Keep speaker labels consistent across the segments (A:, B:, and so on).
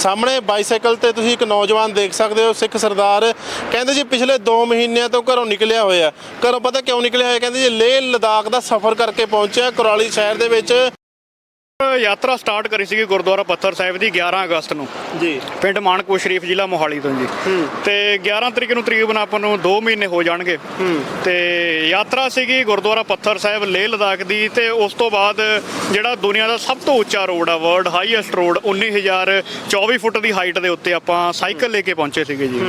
A: ਸਾਹਮਣੇ ਬਾਈਸਾਈਕਲ ਤੇ ਤੁਸੀਂ ਇੱਕ ਨੌਜਵਾਨ ਦੇਖ ਸਕਦੇ ਹੋ, ਸਿੱਖ ਸਰਦਾਰ। ਕਹਿੰਦੇ ਜੀ ਪਿਛਲੇ 2 ਮਹੀਨਿਆਂ ਤੋਂ ਘਰੋਂ ਨਿਕਲਿਆ ਹੋਇਆ। ਘਰੋਂ ਪਤਾ ਕਿਉਂ ਨਿਕਲਿਆ ਹੋਇਆ? ਕਹਿੰਦੇ ਜੀ ਲੇਹ ਲਦਾਖ ਦਾ ਸਫ਼ਰ ਕਰਕੇ ਪਹੁੰਚਿਆ ਕੁਰਾਲੀ ਸ਼ਹਿਰ ਦੇ ਵਿੱਚ।
B: ਯਾਤਰਾ ਸਟਾਰਟ ਕਰੀ ਸੀਗੀ ਗੁਰਦੁਆਰਾ ਪੱਥਰ ਸਾਹਿਬ ਦੀ 11 ਅਗਸਤ ਨੂੰ
A: ਜੀ,
B: ਪਿੰਡ ਮਾਨਕਪੁਰ ਸ਼ਰੀਫ, ਜ਼ਿਲ੍ਹਾ ਮੋਹਾਲੀ ਤੋਂ ਜੀ। ਤੇ 11 ਤਰੀਕ ਨੂੰ ਤਕਰੀਬਨ ਆਪਾਂ ਨੂੰ 2 ਮਹੀਨੇ ਹੋ ਜਾਣਗੇ। ਤੇ ਯਾਤਰਾ ਸੀਗੀ ਗੁਰਦੁਆਰਾ ਪੱਥਰ ਸਾਹਿਬ ਲੇਹ ਲਦਾਖ ਦੀ। ਤੇ ਉਸ ਤੋਂ ਬਾਅਦ ਜਿਹੜਾ ਦੁਨੀਆ ਦਾ ਸਭ ਤੋਂ ਉੱਚਾ ਰੋਡ ਆ, ਵਰਲਡ ਹਾਈਐਸਟ ਰੋਡ, 19,024 ਫੁੱਟ ਦੀ ਹਾਈਟ ਦੇ ਉੱਤੇ ਆਪਾਂ ਸਾਈਕਲ ਲੈ ਕੇ ਪਹੁੰਚੇ ਸੀਗੇ ਜੀ।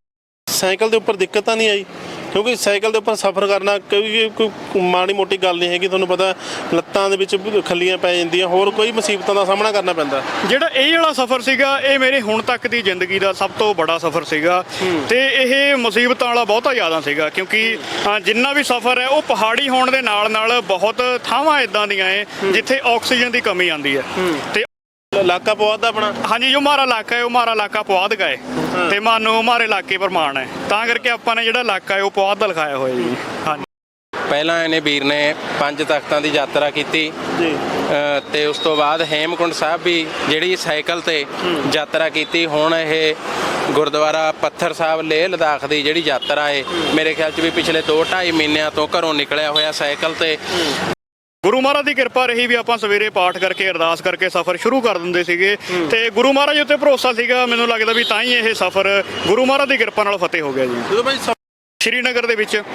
A: ਸਾਈਕਲ ਦੇ ਉੱਪਰ ਦਿੱਕਤ ਤਾਂ ਨਹੀਂ ਆਈ? ਕਿਉਂਕਿ ਸਾਈਕਲ ਦੇ ਉੱਪਰ ਸਫ਼ਰ ਕਰਨਾ ਕੋਈ ਮਾੜੀ ਮੋਟੀ ਗੱਲ ਨਹੀਂ ਹੈਗੀ। ਤੁਹਾਨੂੰ ਪਤਾ ਲੱਤਾਂ ਦੇ ਵਿੱਚ ਖੱਲੀਆਂ ਪੈ ਜਾਂਦੀਆਂ, ਹੋਰ ਕੋਈ ਮੁਸੀਬਤਾਂ ਦਾ ਸਾਹਮਣਾ ਕਰਨਾ ਪੈਂਦਾ।
B: ਜਿਹੜਾ ਇਹ ਵਾਲਾ ਸਫ਼ਰ ਸੀਗਾ, ਇਹ ਮੇਰੇ ਹੁਣ ਤੱਕ ਦੀ ਜ਼ਿੰਦਗੀ ਦਾ ਸਭ ਤੋਂ ਬੜਾ ਸਫ਼ਰ ਸੀਗਾ। ਤੇ ਇਹ ਮੁਸੀਬਤਾਂ ਵਾਲਾ ਬਹੁਤਾ ਜ਼ਿਆਦਾ ਸੀਗਾ, ਕਿਉਂਕਿ ਜਿੰਨਾ ਵੀ ਸਫ਼ਰ ਹੈ ਉਹ ਪਹਾੜੀ ਹੋਣ ਦੇ ਨਾਲ ਨਾਲ ਬਹੁਤ ਥਾਵਾਂ ਇੱਦਾਂ ਦੀਆਂ ਹੈ ਜਿੱਥੇ ਆਕਸੀਜਨ ਦੀ ਕਮੀ ਆਉਂਦੀ ਹੈ। ਤੇ
A: ਇਲਾਕਾ ਪੁਆਧ ਦਾ ਆਪਣਾ?
B: ਹਾਂਜੀ, ਜੋ ਹਮਾਰਾ ਇਲਾਕਾ ਹੈ ਉਹ ਹਮਾਰਾ ਇਲਾਕਾ ਪੁਆਧ ਦਾ ਹੈ। ਤੇ ਮਾਨੋ ਹਮਾਰੇ ਇਲਾਕੇ ਪਰ ਮਾਣ ਹੈ, ਤਾਂ ਕਰਕੇ ਆਪਾਂ ਨੇ ਜਿਹੜਾ ਇਲਾਕਾ ਹੈ ਉਹ ਪੁਆਧ ਦਾ ਲਿਖਾਇਆ ਹੋਇਆ ਜੀ। ਹਾਂਜੀ,
C: ਪਹਿਲਾਂ ਇਹਨੇ ਵੀਰ ਨੇ 5 ਤਖ਼ਤਾਂ ਦੀ ਯਾਤਰਾ ਕੀਤੀ
A: ਜੀ,
C: ਤੇ ਉਸ ਤੋਂ ਬਾਅਦ ਹੇਮਕੁੰਟ ਸਾਹਿਬ ਵੀ ਜਿਹੜੀ ਸਾਈਕਲ ਤੇ ਯਾਤਰਾ ਕੀਤੀ। ਹੁਣ ਇਹ ਗੁਰਦੁਆਰਾ ਪੱਥਰ ਸਾਹਿਬ ਲੇਹ ਲਦਾਖ ਦੀ ਜਿਹੜੀ ਯਾਤਰਾ ਹੈ, ਮੇਰੇ ਖਿਆਲ 'ਚ ਵੀ ਪਿਛਲੇ 2-2.5 ਮਹੀਨਿਆਂ ਤੋਂ ਘਰੋਂ ਨਿਕਲਿਆ ਹੋਇਆ ਸਾਈਕਲ ਤੇ।
B: ਗੁਰੂ ਮਹਾਰਾਜ ਦੀ ਕਿਰਪਾ ਰਹੀ ਵੀ ਆਪਾਂ ਸਵੇਰੇ ਪਾਠ ਕਰਕੇ ਅਰਦਾਸ ਕਰਕੇ ਸਫ਼ਰ ਸ਼ੁਰੂ ਕਰ ਦਿੰਦੇ ਸੀਗੇ। ਤੇ ਗੁਰੂ ਮਹਾਰਾਜ ਉੱਤੇ ਭਰੋਸਾ ਸੀਗਾ, ਮੈਨੂੰ ਲੱਗਦਾ ਵੀ ਤਾਂ ਹੀ ਇਹ ਸਫ਼ਰ ਗੁਰੂ ਮਹਾਰਾਜ ਦੀ ਕਿਰਪਾ ਨਾਲ ਫਤਿਹ ਹੋ ਗਿਆ ਜੀ।
A: ਜਦੋਂ ਭਾਈ
B: ਸ਼੍ਰੀਨਗਰ ਦੇ ਵਿੱਚ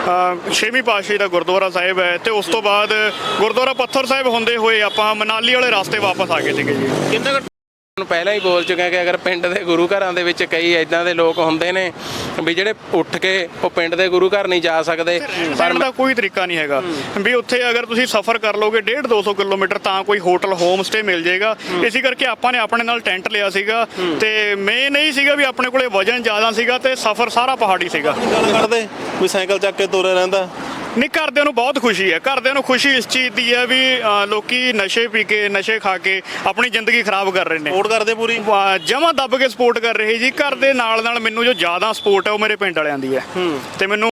B: 6ਵੀਂ ਪਾਤਸ਼ਾਹੀ ਦਾ ਗੁਰਦੁਆਰਾ ਸਾਹਿਬ ਹੈ, ਤੇ ਉਸ ਤੋਂ ਬਾਅਦ ਗੁਰਦੁਆਰਾ ਪੱਥਰ ਸਾਹਿਬ ਹੁੰਦੇ ਹੋਏ ਆਪਾਂ ਮਨਾਲੀ ਵਾਲੇ ਰਸਤੇ ਵਾਪਸ ਆ ਗਏ ਸੀਗੇ ਜੀ।
A: ਕਿੰਨਾ
C: ਪਹਿਲਾਂ ਹੀ ਬੋਲ ਚੁੱਕਿਆ ਕਿ ਅਗਰ ਪਿੰਡ ਦੇ ਗੁਰੂ ਘਰਾਂ ਦੇ ਵਿੱਚ ਕਈ ਇਦਾਂ ਦੇ ਲੋਕ ਹੁੰਦੇ ਨੇ ਵੀ ਜਿਹੜੇ ਉੱਠ ਕੇ ਉਹ ਪਿੰਡ ਦੇ ਗੁਰੂ ਘਰ ਨਹੀਂ ਜਾ ਸਕਦੇ,
B: ਪਰ ਦਾ ਕੋਈ ਤਰੀਕਾ ਨਹੀਂ ਹੈਗਾ ਵੀ ਉੱਥੇ ਅਗਰ ਤੁਸੀਂ ਸਫ਼ਰ ਕਰ ਲੋਗੇ 150-200 ਕਿਲੋਮੀਟਰ ਤਾਂ ਕੋਈ ਹੋਟਲ ਹੋਮ ਸਟੇ ਮਿਲ ਜਾਏਗਾ। ਇਸੇ ਕਰਕੇ ਆਪਾਂ ਨੇ ਆਪਣੇ ਨਾਲ ਟੈਂਟ ਲਿਆ ਸੀਗਾ। ਤੇ ਮੇਨ ਨਹੀਂ ਸੀਗਾ ਵੀ ਆਪਣੇ ਕੋਲੇ ਵਜਨ ਜ਼ਿਆਦਾ ਸੀਗਾ ਤੇ ਸਫ਼ਰ ਸਾਰਾ ਪਹਾੜੀ ਸੀਗਾ।
A: ਗੱਲ ਕਰਦੇ ਕੋਈ ਸਾਈਕਲ ਚੱਕ ਕੇ ਤੁਰੇ ਰਹਿੰਦਾ?
B: ਨਹੀਂ, ਘਰਦਿਆਂ ਨੂੰ ਬਹੁਤ ਖੁਸ਼ੀ ਹੈ। ਘਰਦਿਆਂ ਨੂੰ ਖੁਸ਼ੀ ਇਸ ਚੀਜ਼ ਦੀ ਹੈ ਵੀ ਲੋਕੀ ਨਸ਼ੇ ਪੀ ਕੇ ਨਸ਼ੇ ਖਾ ਕੇ ਆਪਣੀ ਜ਼ਿੰਦਗੀ ਖਰਾਬ ਕਰ ਰਹੇ ਨੇ।
A: ਸਪੋਰਟ ਕਰਦੇ ਪੂਰੀ?
B: ਜਮਾਂ ਦੱਬ ਕੇ ਸਪੋਰਟ ਕਰ ਰਹੇ ਜੀ। ਘਰ ਦੇ ਨਾਲ ਨਾਲ ਮੈਨੂੰ ਜੋ ਜ਼ਿਆਦਾ ਸਪੋਰਟ ਹੈ ਉਹ ਮੇਰੇ ਪਿੰਡ ਵਾਲਿਆਂ ਦੀ ਹੈ। ਤੇ ਮੈਨੂੰ